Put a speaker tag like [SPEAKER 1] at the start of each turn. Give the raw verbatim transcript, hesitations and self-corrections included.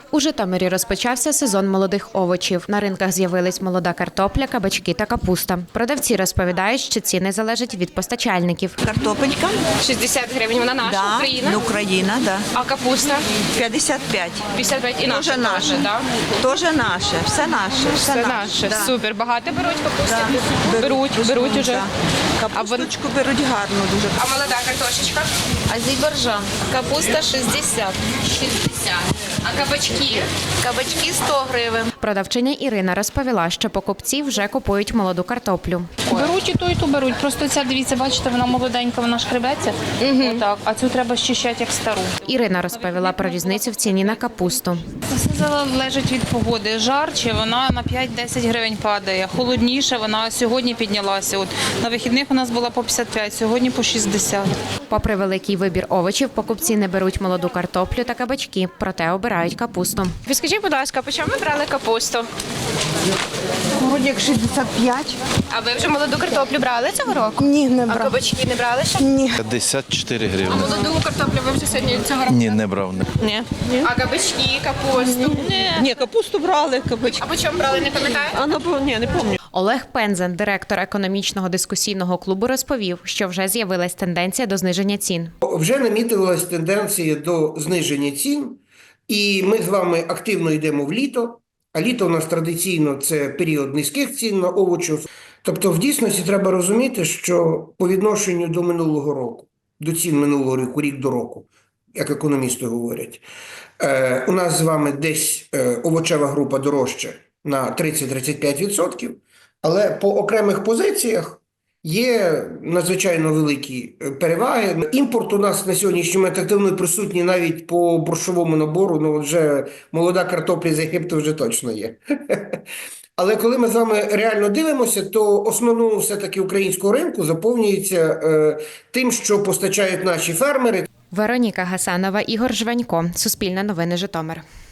[SPEAKER 1] У Житомирі розпочався сезон молодих овочів. На ринках з'явились молода картопля, кабачки та капуста. Продавці розповідають, що ціни залежать від постачальників.
[SPEAKER 2] Картопелька
[SPEAKER 3] шістдесят гривень, вона наша,
[SPEAKER 2] да,
[SPEAKER 3] Україна.
[SPEAKER 2] Україна, да.
[SPEAKER 3] А капуста?
[SPEAKER 2] п'ятдесят п'ять.
[SPEAKER 3] п'ятдесят п'ять і наша
[SPEAKER 2] Тоже наше,
[SPEAKER 3] теж, да?
[SPEAKER 2] Тоже наше, все наше, все,
[SPEAKER 3] Це
[SPEAKER 2] наше.
[SPEAKER 3] наше.
[SPEAKER 2] Да.
[SPEAKER 3] Супер. Багато беруть капусти?
[SPEAKER 2] Да.
[SPEAKER 3] Беруть, беруть уже.
[SPEAKER 2] Да. Капусточку беруть гарно дуже.
[SPEAKER 3] А молода картошечка?
[SPEAKER 4] Азербайджан. Капуста шістдесят.
[SPEAKER 3] шістдесят. А кабачки?
[SPEAKER 4] Кабачки сто гривень.
[SPEAKER 1] Продавчиня Ірина розповіла, що покупці вже купують молоду картоплю.
[SPEAKER 5] Беруть і ту, і ту беруть. Просто ця, дивіться, бачите, вона молоденька, вона шкребеться. Отак. А цю треба щищати як стару.
[SPEAKER 1] Ірина розповіла про різницю в ціні на капусту.
[SPEAKER 5] Це все залежить від погоди. Жарче вона на п'ять-десять гривень падає. Холодніше вона сьогодні піднялася. От на вихідних у нас була по п'ятдесят п'ять, сьогодні по шістдесят.
[SPEAKER 1] Попри великий вибір овочів, покупці не беруть молоду картоплю та кабачки, проте обирають капусту.
[SPEAKER 3] Скажіть, будь ласка, по чому ви брали капусту?
[SPEAKER 6] Вроді як шістдесят п'ять.
[SPEAKER 3] А ви вже молоду картоплю брали цього року?
[SPEAKER 6] Ні, не
[SPEAKER 3] А
[SPEAKER 6] брав.
[SPEAKER 3] кабачки не брали ще?
[SPEAKER 6] Ні.
[SPEAKER 7] п'ятдесят чотири
[SPEAKER 3] А
[SPEAKER 7] гривні.
[SPEAKER 3] молоду картоплю ви вже сьогодні цього року?
[SPEAKER 7] Ні, не брав.
[SPEAKER 2] Ні.
[SPEAKER 3] А кабачки, капусту?
[SPEAKER 2] Ні, капусту брали, кабачки.
[SPEAKER 3] А по чому брали, не пам'ятаєте?
[SPEAKER 2] А, ну, ні, не пам'ятаю.
[SPEAKER 1] Олег Пензен, директор економічного дискусійного клубу, розповів, що вже з'явилась тенденція до зниження цін.
[SPEAKER 8] Вже намітилась тенденція до зниження цін, і ми з вами активно йдемо в літо, а літо у нас традиційно це період низьких цін на овочі. Тобто в дійсності треба розуміти, що по відношенню до минулого року, до цін минулого року, рік до року, як економісти говорять, е, у нас з вами десь е, овочева група дорожча на тридцять-тридцять п'ять відсотків, але по окремих позиціях є надзвичайно великі переваги. Імпорт у нас на сьогоднішній момент активно присутній навіть по борщовому набору, ну вже молода картопля з Єгипту вже точно є. Але коли ми з вами реально дивимося, то основному все-таки українського ринку заповнюється е, тим, що постачають наші фермери.
[SPEAKER 1] Вероніка Гасанова, Ігор Жванько. Суспільне новини, Житомир.